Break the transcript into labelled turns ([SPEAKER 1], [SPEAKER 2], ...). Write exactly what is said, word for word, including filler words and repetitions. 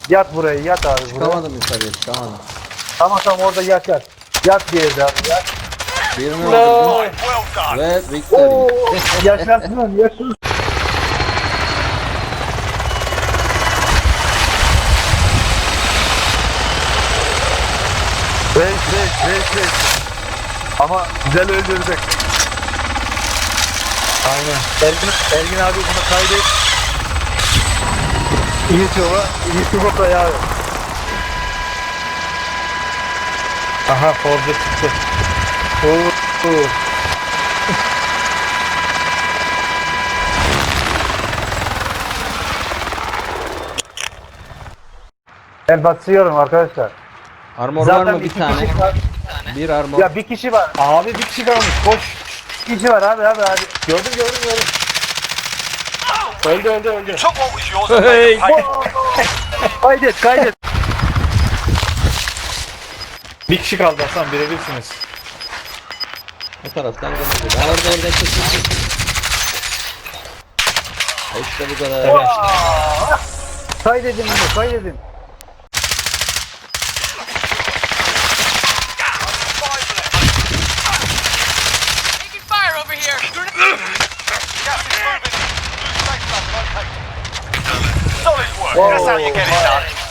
[SPEAKER 1] Yat buraya, yat abi buraya.
[SPEAKER 2] Çıkamadım yukarıya, çıkamadım.
[SPEAKER 1] Tamam tamam orada yat yat. Yat bir yerde abi yat.
[SPEAKER 2] Birini
[SPEAKER 1] No.
[SPEAKER 2] öldürdüm
[SPEAKER 3] Well done.
[SPEAKER 2] ve victory.
[SPEAKER 1] Oo, yaşasın yaşasın. Reis reis reis reis. Ama güzel öldürdük. Aynen. Ergin, Ergin abi bunu kaydet. YouTube'a, YouTube'a koy abi. Aha Forza çıktı. Oo. oo. Ben basıyorum arkadaşlar.
[SPEAKER 2] Armor var mı bir
[SPEAKER 1] iki
[SPEAKER 2] tane?
[SPEAKER 1] kişi var.
[SPEAKER 2] Bir armor.
[SPEAKER 1] Ya bir kişi var. Abi bir kişi kalmış. Koş. Bir kişi var abi abi abi. Gördüm gördüm gördüm. Öldü öldü öldü.
[SPEAKER 3] Took what was yours and made them pay.
[SPEAKER 1] Kaydet kaydet. Bir kişi kaldı Hasan birebirsiniz.
[SPEAKER 2] Bu taraftan gelecek. Ben orada evden çekildim. İşte bu kadar.
[SPEAKER 1] Evet. Kaydedin bunu kaydedin.
[SPEAKER 4] Taking fire over here.
[SPEAKER 3] Gas is moving. Safe zone located. Solid work.
[SPEAKER 1] Whoa.
[SPEAKER 3] That's how you get it done.